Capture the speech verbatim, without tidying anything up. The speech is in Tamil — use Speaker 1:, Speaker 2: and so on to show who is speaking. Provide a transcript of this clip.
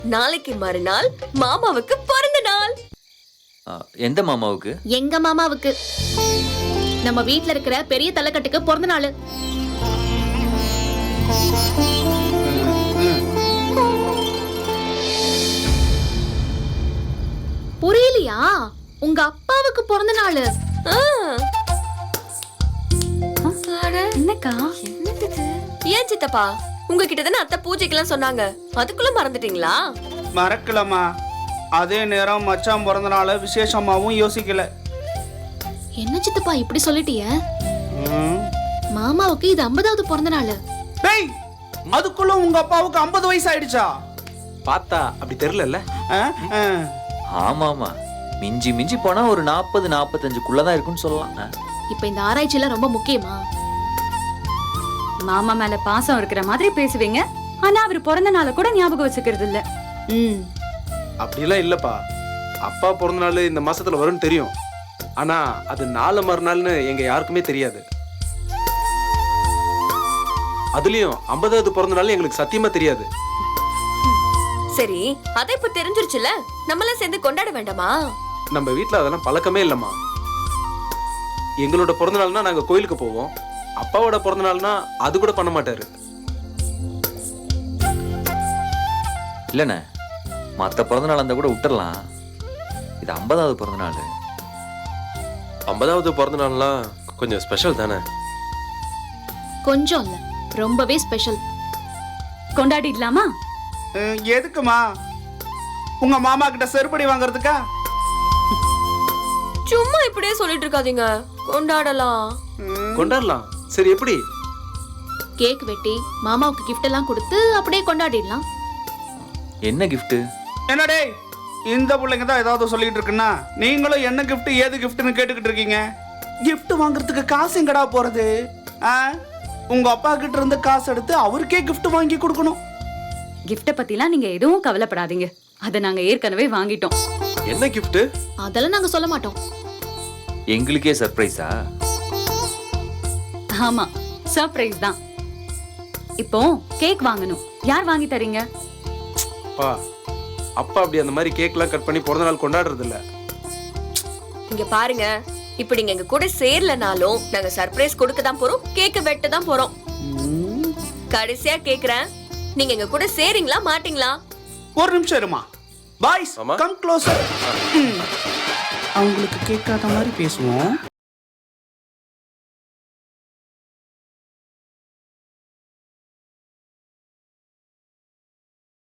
Speaker 1: நாளைக்கு மறுநாள் மாமாவுக்கு பிறந்த நாள்.
Speaker 2: எந்த மாமாவுக்கு?
Speaker 3: எங்க மாமாவுக்கு. நம்ம வீட்ல இருக்கிற பெரிய தலைக்கட்டுக்கு பிறந்த நாள். புரியலையா? உங்க அப்பாவுக்கு பிறந்த நாள்.
Speaker 1: என்னக்கா? ஏன் சித்தப்பா, உங்ககிட்ட தானே அத்தை பூஜைக்கெல்லாம் சொன்னாங்க, அதுக்குள்ள மறந்துட்டீங்களா?
Speaker 4: மறக்கலமா. அதே நேரம் மச்சான் பிறந்த நாள விசேஷமாவும் யோசிக்கல.
Speaker 3: என்ன சித்தப்பா இப்படி சொல்லிட்டிய? மாமாவுக்கு இது ஐம்பதாவது பிறந்த நாள்.
Speaker 4: டேய், அதுக்குள்ள உங்க அப்பாவுக்கு ஐம்பது வயசு ஆயிடுச்சா?
Speaker 5: பார்த்தா அப்படி தெரியல.
Speaker 2: ஆமா ஆமா, மிஞ்சி மிஞ்சி போனா ஒரு நாற்பது நாற்பத்தஞ்சுக்குள்ளதான் இருக்குன்னு சொல்லலாம்.
Speaker 3: இப்ப இந்த ஆராய்ச்சி எல்லாம் ரொம்ப முக்கியமா?
Speaker 6: மாமா மேல பாசம் இருக்கிற மாதிரி பேசுவீங்க, ஆனா அவர் பிறந்த நாளை கூட ஞாபகம் வச்சுக்கிறது இல்ல.
Speaker 3: ம்,
Speaker 5: அப்படிலாம் இல்லப்பா. அப்பா பிறந்த நாள் இந்த மாசத்துல வரும்னு தெரியும், ஆனா அது நாலு மறுநாள்னு எங்க யாருக்குமே தெரியாது. அதுலயும் ஐம்பதாவது பிறந்த நாள் எங்களுக்கு சத்தியமா தெரியாது.
Speaker 1: சரி, அதை இப்ப தெரிஞ்சிருச்சுல, நம்மள சேர்ந்து கொண்டாட வேண்டாமா?
Speaker 5: நம்ம வீட்ல அதெல்லாம் பழக்கமே இல்லம்மா. எங்களோட பிறந்த நாள்னா நாங்க கோயிலுக்கு போவோம், அப்பாவோட பிறந்த நாள்னா அது கூட பண்ண மாட்டாரு.
Speaker 2: இல்லண்ணே, மத்த பிறந்த நாள் அந்த கூட விட்டுறலாம். இது ஐம்பதாவது பிறந்த நாள்.
Speaker 5: ஐம்பதாவது பிறந்த நாள்லாம் கொஞ்சம் ஸ்பெஷல் தானே?
Speaker 3: கொஞ்சம் இல்ல, ரொம்பவே ஸ்பெஷல்.
Speaker 6: கொண்டாடிடலாமா?
Speaker 4: எதுக்குமா? உங்க மாமா கிட்ட செருப்படி வாங்குறதுக்கா?
Speaker 1: சும்மா இப்படியே சொல்லிட்டு இருக்காதீங்க, கொண்டாடலாம்.
Speaker 5: கொண்டாடலாம். சரி, எப்படி?
Speaker 3: கேக் வெட்டி மாமாவுக்கு கிஃப்ட் எல்லாம் கொடுத்து அப்படியே கொண்டாடிடலாம்.
Speaker 2: என்ன கிஃப்ட்?
Speaker 4: என்னடே, இந்த பிள்ளைங்க தான் ஏதாவது சொல்லிட்டு இருக்குன்னா நீங்களும் என்ன கிஃப்ட் ஏது கிஃப்ட்னு கேட்டுக்கிட்டு இருக்கீங்க. கிஃப்ட் வாங்குறதுக்கு காசு எங்கடா போறது? உங்க அப்பா கிட்ட இருந்து காசு எடுத்து அவருக்கே கிஃப்ட் வாங்கி கொடுக்கணும்.
Speaker 6: கிஃப்ட பத்திலாம் நீங்க எதுவும் கவலைப்படாதீங்க, அதை நாங்க ஏற்கனவே வாங்கிட்டோம்.
Speaker 5: என்ன கிஃப்ட்?
Speaker 3: அதெல்லாம் நாங்க சொல்ல மாட்டோம்.
Speaker 2: எங்களுக்கே சர்ப்ரைஸா?
Speaker 6: ஆமா, சர்ப்ரைஸ் தான். இப்போ கேக் வாங்கணும், யார் வாங்கி தரீங்க?
Speaker 5: அப்பா அப்பா அப்படி அந்த மாதிரி கேக்லாம் கட் பண்ணி பிறந்த நாள் கொண்டாடுறது இல்ல.
Speaker 1: இங்க பாருங்க, இப்ப நீங்க எங்க கூட சேரலனாலும் நாங்க சர்ப்ரைஸ் கொடுக்க தான் போறோம், கேக்க வெட்ட தான் போறோம். கடைசியா கேக்குறேன், நீங்க எங்க கூட சேரீங்களா மாட்டீங்களா?
Speaker 4: ஒரு நிமிஷம் இருமா. Boys come closer. அவங்களுக்கு கேட்காத மாதிரி பேசுவோம்.